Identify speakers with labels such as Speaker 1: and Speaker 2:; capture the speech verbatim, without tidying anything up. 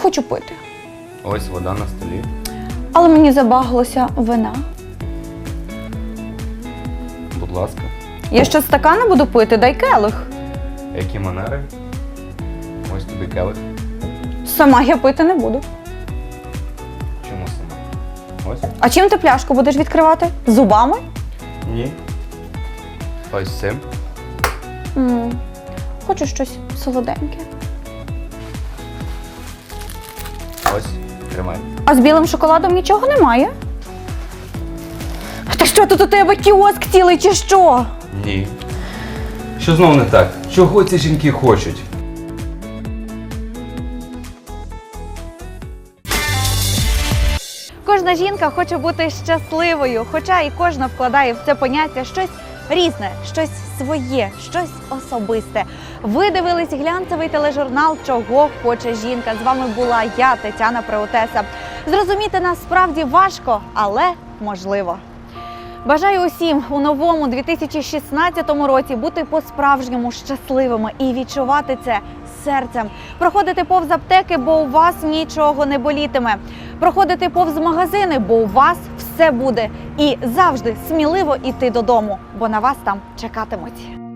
Speaker 1: хочу пити.
Speaker 2: Ось вода на столі.
Speaker 1: Але мені забагалося вина.
Speaker 2: Будь ласка.
Speaker 1: Я ще стакана буду пити, дай келих.
Speaker 2: Які манери? Ось тобі келих.
Speaker 1: Сама я пити не буду.
Speaker 2: Чому сама? Ось.
Speaker 1: А чим ти пляшку будеш відкривати? Зубами?
Speaker 2: Ні. Ось цим.
Speaker 1: М, Хочу щось солоденьке.
Speaker 2: Ось. Тримай.
Speaker 1: А з білим шоколадом нічого немає? Та що тут у тебе кіоск цілий чи що?
Speaker 2: Ні. Що знов не так? Чого ці жінки хочуть?
Speaker 1: Кожна жінка хоче бути щасливою, хоча і кожна вкладає в це поняття щось різне, щось своє, щось особисте. Ви дивились глянцевий тележурнал «Чого хоче жінка». З вами була я, Тетяна Преотеса. Зрозуміти нас справді важко, але можливо. Бажаю усім у новому дві тисячі шістнадцятому році бути по-справжньому щасливими і відчувати це серцем. Проходити повз аптеки, бо у вас нічого не болітиме. Проходити повз магазини, бо у вас все буде. І завжди сміливо йти додому, бо на вас там чекатимуть.